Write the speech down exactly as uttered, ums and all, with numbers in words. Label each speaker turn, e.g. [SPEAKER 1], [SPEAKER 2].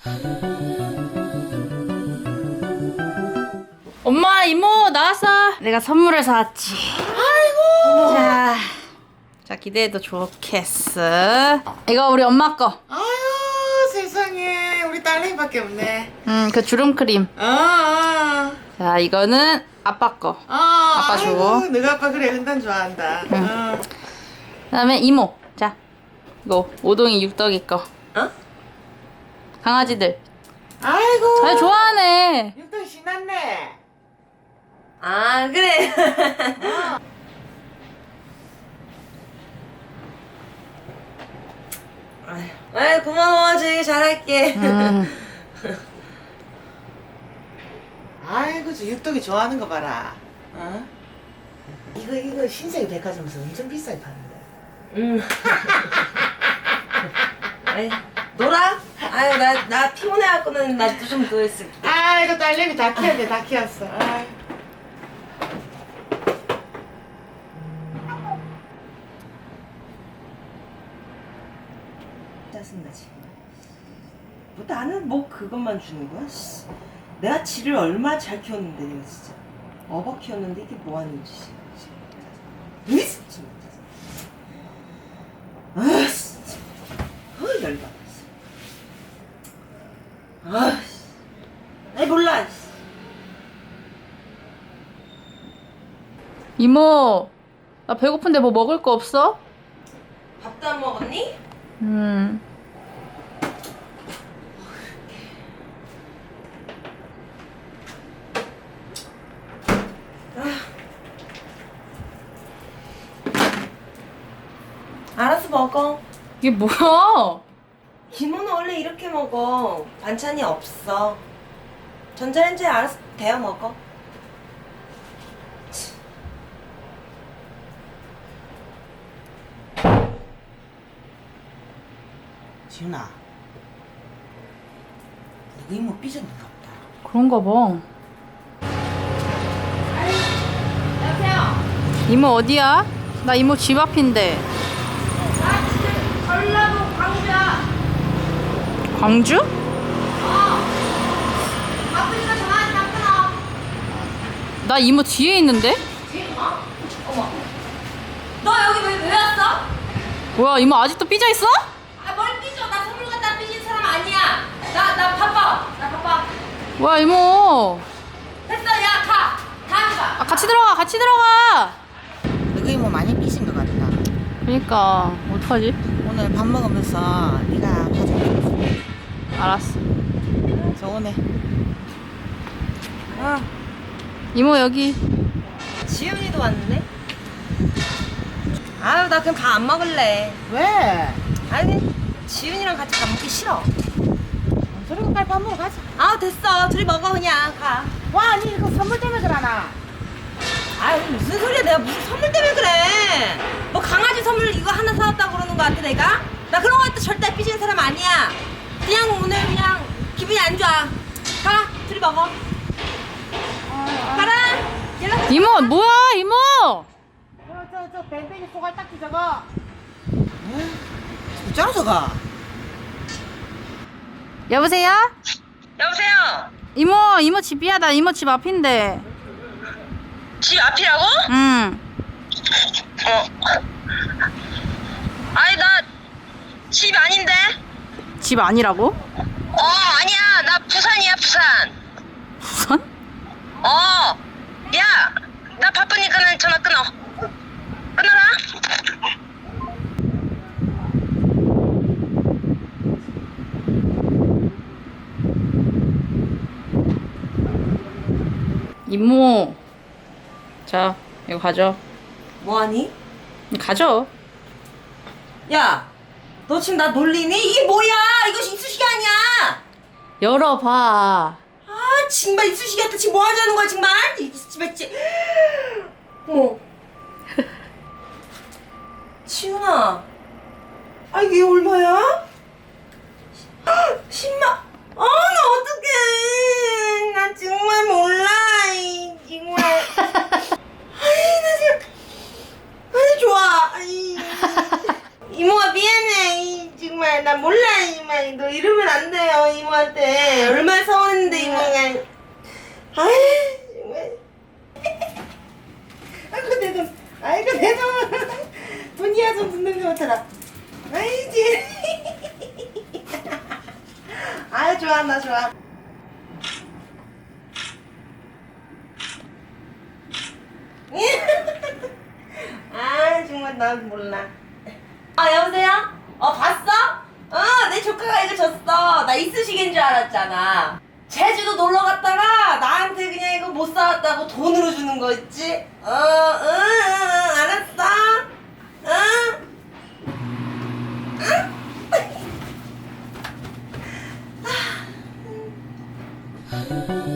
[SPEAKER 1] 엄마, 이모 나왔어. 내가 선물을 사왔지. 아이고. 자, 자 기대해도 좋겠어. 이거 우리 엄마 거.
[SPEAKER 2] 아유 세상에 우리 딸내미밖에 없네.
[SPEAKER 1] 음, 그 주름 크림.
[SPEAKER 2] 아, 아.
[SPEAKER 1] 자, 이거는 아빠 거.
[SPEAKER 2] 아,
[SPEAKER 1] 아빠 줘.
[SPEAKER 2] 아이고, 너가 아빠 그래 흔단 좋아한다.
[SPEAKER 1] 응.
[SPEAKER 2] 어.
[SPEAKER 1] 그다음에 이모. 자, 이거 오동이 육덕이 거.
[SPEAKER 2] 어?
[SPEAKER 1] 강아지들.
[SPEAKER 2] 아이고.
[SPEAKER 1] 아, 좋아하네.
[SPEAKER 2] 육등 신났네.
[SPEAKER 3] 아 그래. 아이 고마워 주희 잘할게.
[SPEAKER 1] 음.
[SPEAKER 2] 아이고 저 육덕이 좋아하는 거 봐라. 어? 이거 이거 신세계 백화점에서 엄청 비싸게 파는데.
[SPEAKER 3] 음. 아이 놀아? 아유 나나 피곤해갖고는 나도 좀 누워있을게.
[SPEAKER 2] 아이고 딸내미 다 키웠네 다 키웠어. 아이.
[SPEAKER 3] 짜증나 지금. 뭐 나는 뭐 그것만 주는 거야? 씨. 내가 지를 얼마나 잘 키웠는데 내가 진짜 어버 키웠는데 이게 뭐 하는 짓이야? 으이, 진짜. 아 진짜. 어 열받아. 아, 아이 몰라.
[SPEAKER 1] 이모, 나 배고픈데 뭐 먹을 거 없어?
[SPEAKER 3] 밥도 안 먹었니?
[SPEAKER 1] 음.
[SPEAKER 3] 알아서 먹어.
[SPEAKER 1] 이게 뭐야?
[SPEAKER 3] 김호는 원래 이렇게 먹어. 반찬이 없어. 전자레인지에 알아서 데워 먹어.
[SPEAKER 2] 지훈아. 이거 이모 삐졌는가 보다.
[SPEAKER 1] 그런가 봐. 이모 어디야? 나 이모 집 앞인데.
[SPEAKER 3] 전라도 광주야.
[SPEAKER 1] 광주?
[SPEAKER 3] 바쁘니까 전화하지 마 끊어.
[SPEAKER 1] 나 이모 뒤에 있는데?
[SPEAKER 3] 어? 어머. 너 여기 왜, 왜 왔어?
[SPEAKER 1] 뭐야, 이모 아직도 삐져 있어?
[SPEAKER 3] 아, 뭘 삐져. 나 선물 갖다 삐진 사람 아니야. 나, 나 바빠. 나 바빠.
[SPEAKER 1] 뭐야, 이모.
[SPEAKER 3] 됐어, 야, 가. 다음에 봐.
[SPEAKER 1] 아, 같이 들어가, 같이 들어가.
[SPEAKER 2] 너희 이모 많이 삐진 것 같다.
[SPEAKER 1] 그니까 어떡하지?
[SPEAKER 2] 오늘 밥 먹으면서 네가 봐줄게.
[SPEAKER 1] 알았어.
[SPEAKER 2] 좋으네.
[SPEAKER 3] 아,
[SPEAKER 1] 이모 여기.
[SPEAKER 3] 지훈이도 왔네. 아유, 나 그럼 다 안 먹을래.
[SPEAKER 2] 왜?
[SPEAKER 3] 아니, 지훈이랑 같이 밥 먹기 싫어.
[SPEAKER 2] 저리고 빨리 밥 먹으러 가자.
[SPEAKER 3] 아, 됐어. 둘이 먹어, 그냥. 가.
[SPEAKER 2] 와, 니 이거 선물 때문에 그러나?
[SPEAKER 3] 아유, 무슨 소리야. 내가 무슨 선물 때문에 그래. 뭐 강아지 선물 이거 하나 사왔다고 그러는 거 같아, 내가? 나 그런 거 갖다 절대 삐지는 사람 아니야. 그냥 오늘 그냥 기분이 안 좋아. 가. 둘이 먹어. 가라. 연락.
[SPEAKER 1] 이모 뭐야, 이모?
[SPEAKER 2] 저, 저, 저, 밴댕이 소갈 딱지 저거. 응? 저거 저거.
[SPEAKER 1] 여보세요?
[SPEAKER 3] 여보세요.
[SPEAKER 1] 이모, 이모 집이야. 나 이모 집 앞인데.
[SPEAKER 3] 집 앞이라고?
[SPEAKER 1] 응.
[SPEAKER 3] 어. 아니 나 집 아닌데?
[SPEAKER 1] 집 아니라고?
[SPEAKER 3] 어 아니야 나 부산이야 부산.
[SPEAKER 1] 부산?
[SPEAKER 3] 어. 야 나 바쁘니까는 전화 끊어. 끊어라.
[SPEAKER 1] 이모. 자, 이거 가져.
[SPEAKER 3] 뭐하니?
[SPEAKER 1] 가져.
[SPEAKER 3] 야 너 지금 나 놀리니? 이게 뭐야? 이거 이쑤시개 아니야?
[SPEAKER 1] 열어봐.
[SPEAKER 3] 아 정말 이쑤시개한테 지금 뭐 하자는 거야 정말? 이 집에 지. 어. 지훈아. 아 이게 얼마야? 십만. 아 나 어떡해. 나 정말 몰라. 이 정말. 아이 나 지금. 아이 좋아. 아이. 이모가 미안해. 이 정말 나 몰라. 이만 너 이러면 안 돼요. 이모가 이모한테 얼마나 서운했는데 이모가. 아이 정말.
[SPEAKER 2] 아이고 내 돈. 아이고 내 돈. 돈이야 좀 듣는 거 못하라. 아이지. 아유 좋아 나 좋아.
[SPEAKER 3] 아 정말 난 몰라. 아 여보세요? 어 봤어? 어 내 조카가 이거 줬어. 나 이쑤시개인 줄 알았잖아. 제주도 놀러 갔다가 나한테 그냥 이거 못 사왔다고 돈으로 주는 거 있지? 어, 응, 응, 알았어. 응? 응?